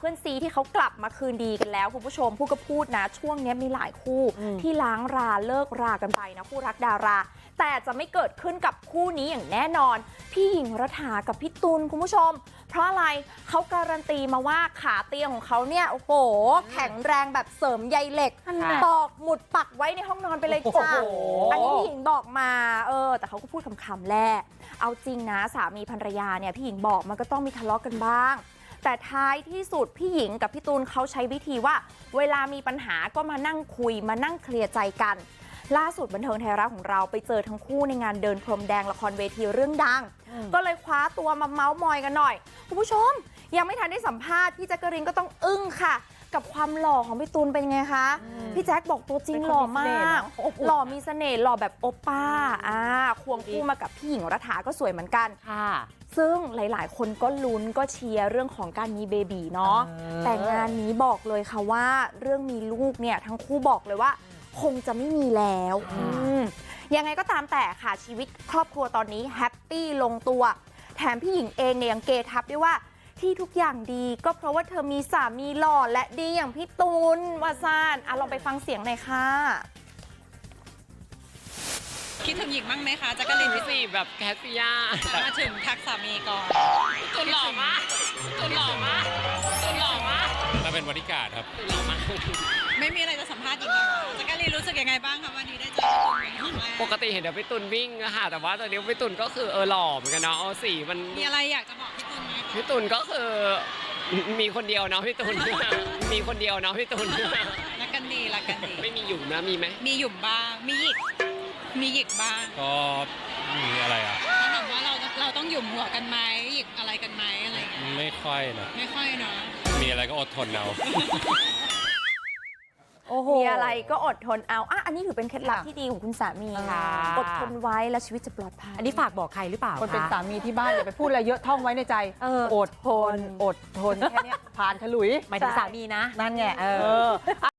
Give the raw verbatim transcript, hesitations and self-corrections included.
พื่อนซีที่เขากลับมาคืนดีกันแล้วคุณผู้ชมพูดก็พูดนะช่วงนี้มีหลายคู่ที่ล้างราเลิกรากันไปนะคู่รักดาราแต่จะไม่เกิดขึ้นกับคู่นี้อย่างแน่นอนพี่หญิงรัฐากับพี่ตุลคุณผู้ชมเพราะอะไรเขาการันตีมาว่าขาเตียงของเขาเนี่ยโอ้โหแข็งแรงแบบเสริมใยเหล็กตอกหมุดปักไว้ในห้องนอนไปเลยจ้าอันนี้พี่หญิงบอกมาเออแต่เขาก็พูดคำๆแหละเอาจริงนะสามีภรรยาเนี่ยพี่หญิงบอกมันก็ต้องมีทะเลาะกันบ้างแต่ท้ายที่สุดพี่หญิงกับพี่ตูนเขาใช้วิธีว่าเวลามีปัญหาก็มานั่งคุยมานั่งเคลียร์ใจกันล่าสุดบันเทิงไทยรัฐของเราไปเจอทั้งคู่ในงานเดินพรมแดงละครเวทีเรื่องดังก็เลยคว้าตัวมาเมาส์มอยกันหน่อยคุณผู้ชมยังไม่ทันได้สัมภาษณ์พี่แจ๊กกะรีนก็ต้องอึ้งค่ะกับความหล่อของพี่ตูนเป็นไงคะพี่แจ๊คบอกตัวจริงหล่อมากหล่อมีเสน่ห์หล่อแบบโอป้าอ่าควงคู่มากับพี่หญิงรัฐาก็สวยเหมือนกันค่ะซึ่งหลายๆคนก็ลุ้นก็เชียร์เรื่องของการมีเบบีเนาะแต่งานนี้บอกเลยค่ะว่าเรื่องมีลูกเนี่ยทั้งคู่บอกเลยว่าคงจะไม่มีแล้วยังไงก็ตามแต่ค่ะชีวิตครอบครัวตอนนี้แฮปปี้ลงตัวแถมพี่หญิงเองเนี่ยยังเกทับด้วยว่าที่ทุกอย่างดีก็เพราะว่าเธอมีสามีหล่อและดีอย่างพี่ตูนวาซานอ่ะลองไปฟังเสียงหน่อยค่ะคิดถึงหญิงบ้างไหมคะจักรินวิสีแบบแคสซิยามาถึงทักสามีก่อนตุนหล่อมากตุนหล่อมากตุนหล่อมากมาเป็นบริการครับหล่อมากไม่มีอะไรจะสัมภาษณ์หญิงเลยจักรินรู้สึกยังไงบ้างคะวันนี้ได้เจอพี่ตุนครั้งแรกปกติเห็นเดี๋ยวพี่ตุนวิ่งอะค่ะแต่ว่าตอนนี้พี่ตุนก็คือเออหล่อเหมือนกันเนาะสีมันมีอะไรอยากจะบอกพี่ตุนไหมพี่ตุนก็คือมีคนเดียวเนาะพี่ตุนมีคนเดียวเนาะพี่ตุนรักกันดีรักกันดีไม่มีหยุ่มนะมีไหมมีหยุ่มบ้างมีหยิกมีหยิกบ้างก็มีอะไรอ่ะถ้าถามว่าเราเราต้องหยุ่มหัวกันไหมหยิกอะไรกันไหมอะไรไม่ค่อยนะไม่ค่อยเนาะมีอะไรก็อดทนเอามีอะไรก็อดทนเอาอ่ะอันนี้ถือเป็นเคล็ดลับที่ดีของคุณสามีค่ะอดทนไว้แล้วชีวิตจะปลอดภัยอันนี้ฝากบอกใครหรือเปล่าคนเป็นสามีที่บ้านอย่าไปพูดอะไรเยอะท่องไว้ในใจอดทนอดทนแค่นี้ผ่านฉลุยหมายถึงสามีนะนั่นไงเออ